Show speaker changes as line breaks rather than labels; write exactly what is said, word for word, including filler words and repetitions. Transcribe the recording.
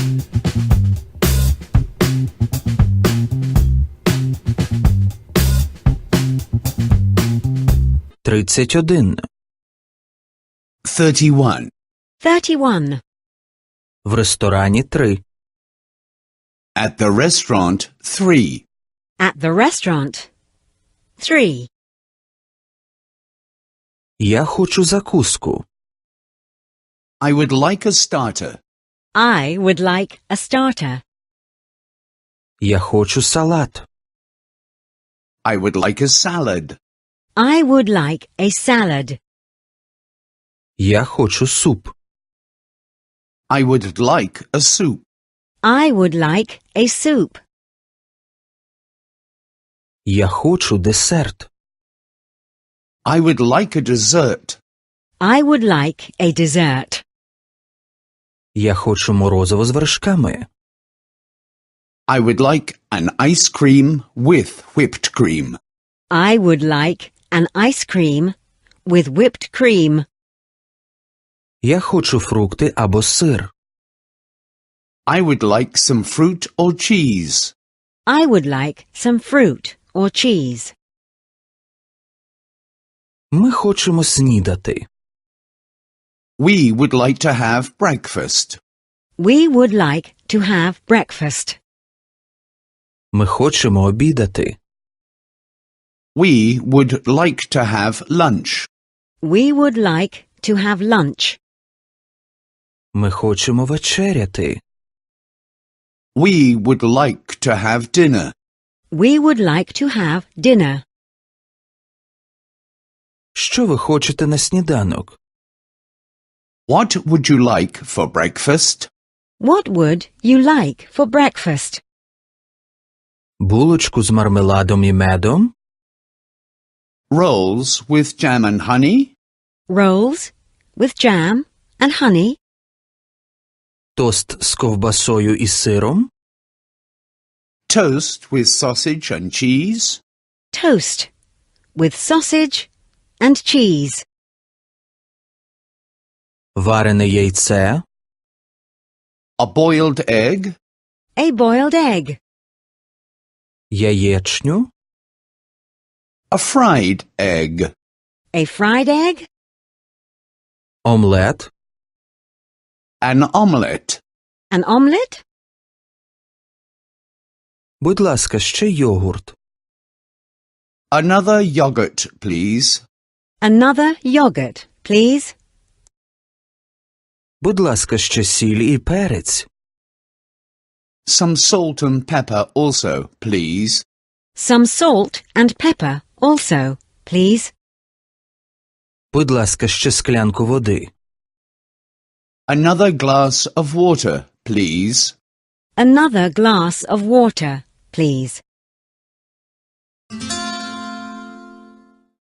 Тридцять один.
Thirty-one.
Thirty-one.
В ресторані три.
At the restaurant, three.
At the restaurant. Three.
Я хочу закуску.
I would like a starter.
I would like a starter.
Я хочу салат.
I would like a salad.
I would like a salad.
Я хочу суп.
I would like a soup.
I would like a soup.
Я хочу десерт.
I would like a dessert.
I would like a dessert.
Я хочу морозиво з вершками.
I would like an ice cream with whipped cream.
I would like an ice cream with whipped cream.
Я хочу фрукти або сир.
I would like some fruit or cheese.
I would like some fruit or cheese.
Ми хочемо снідати.
We would like to have breakfast.
We would like to have breakfast.
Ми хочемо обідати.
We would like to have lunch.
We would like to have lunch.
Ми хочемо вечеряти.
We would like to have dinner.
We would like to have dinner.
Що ви хочете на сніданок?
What would you like for breakfast?
What would you like for breakfast?
Булочку з мармеладом і медом?
Rolls with jam and honey?
Rolls with jam and honey?
Тост з ковбасою і сиром?
Toast with sausage and cheese?
Toast with sausage and cheese.
Варене яйце?
A boiled egg?
A boiled egg.
Яєчню?
A fried egg?
A fried egg.
Омлет?
An omelette?
An omelette.
Будь ласка, ще йогурт.
Another yogurt, please.
Another yogurt, please.
Будь ласка, ще сіль і перець.
Some salt and pepper also, please.
Some salt and pepper also, please.
Будь ласка, ще склянку води.
Another glass of water, please.
Another glass of water, please.